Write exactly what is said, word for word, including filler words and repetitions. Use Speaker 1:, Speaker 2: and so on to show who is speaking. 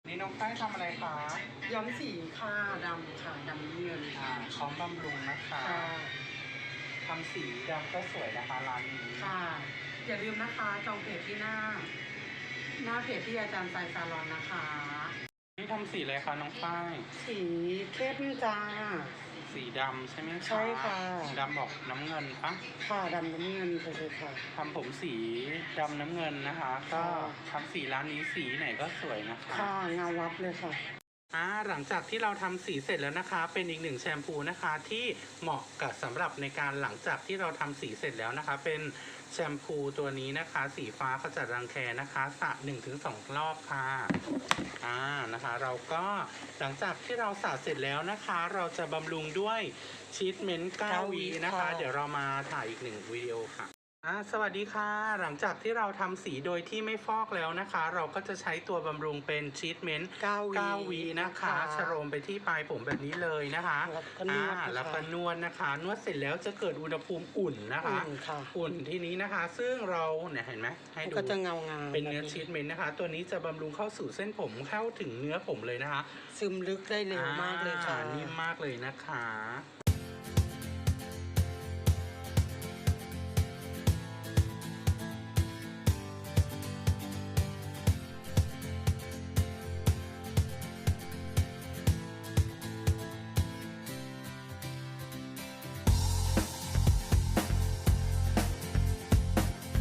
Speaker 1: นี่น้องฝ้ายทำอะไรคะ
Speaker 2: ย้อมสีค่ะดำค่ะดำเงิน
Speaker 1: อ่าพร้อมบำรุงนะคะ
Speaker 2: ค่ะ
Speaker 1: ทำสีดำก็สวยนะคะร้านนี้
Speaker 2: ค่ะอย่าลืมนะคะจองเพจที่หน้า หน้าเพจที่อาจารย์ไซซาลอนนะคะ
Speaker 1: นี่ทำสีอะไรคะน้องฝ้าย
Speaker 2: สีเข้มจ้า
Speaker 1: สีดำใช่ไหมคะ
Speaker 2: ใช่ค่ะ
Speaker 1: ดำบอกน้ำเงินปะ
Speaker 2: ค่ะดำน้ำเงินไปเลยค่ะ
Speaker 1: ทำผมสีดำน้ำเงินนะคะ ก็ทำสีร้านนี้สีไหนก็สวยนะคะ
Speaker 2: ค่ะเงาวับเลยค่ะ
Speaker 1: อ่าหลังจากที่เราทำสีเสร็จแล้วนะคะ เป็นอีกหนึ่งแชมพูนะคะที่เหมาะกับสำหรับในการหลังจากที่เราทำสีเสร็จแล้วนะคะ เป็นแชมพูตัวนี้นะคะ สีฟ้าขจัดรังแคนะคะสระหนึ่งถึงสองรอบค่ะอ่านะคะเราก็หลังจากที่เราสระเสร็จแล้วนะคะ เราจะบำรุงด้วยชีทเมนต์เก้าวีนะคะ เดี๋ยวเรามาถ่ายอีกหนึ่งวิดีโอค่ะอ่าสวัสดีค่ะหลังจากที่เราทำสีโดยที่ไม่ฟอกแล้วนะคะ เราก็จะใช้ตัวบำรุงเป็นชีทเมนต์
Speaker 2: เก้าวี
Speaker 1: นะคะชโรมไปที่ปลายผมแบบนี้เลยนะคะ
Speaker 2: อ่า
Speaker 1: แล้วก็นวดนะคะ นวดเสร็จแล้วจะเกิดอุณหภูมิอุ่นนะคะอุ่นที่นี้นะคะ ซึ่งเราเนี่ยเห็นไหมให้ดู
Speaker 2: ก็จะเงางาม
Speaker 1: เป็นเนื้อชีทเมนต์นะคะ ตัวนี้จะบำรุงเข้าสู่เส้นผมเข้าถึงเนื้อผมเลยนะคะ
Speaker 2: ซึมลึกได้เร็วมากเลยค่ะ
Speaker 1: นิ่มมากเลยนะคะ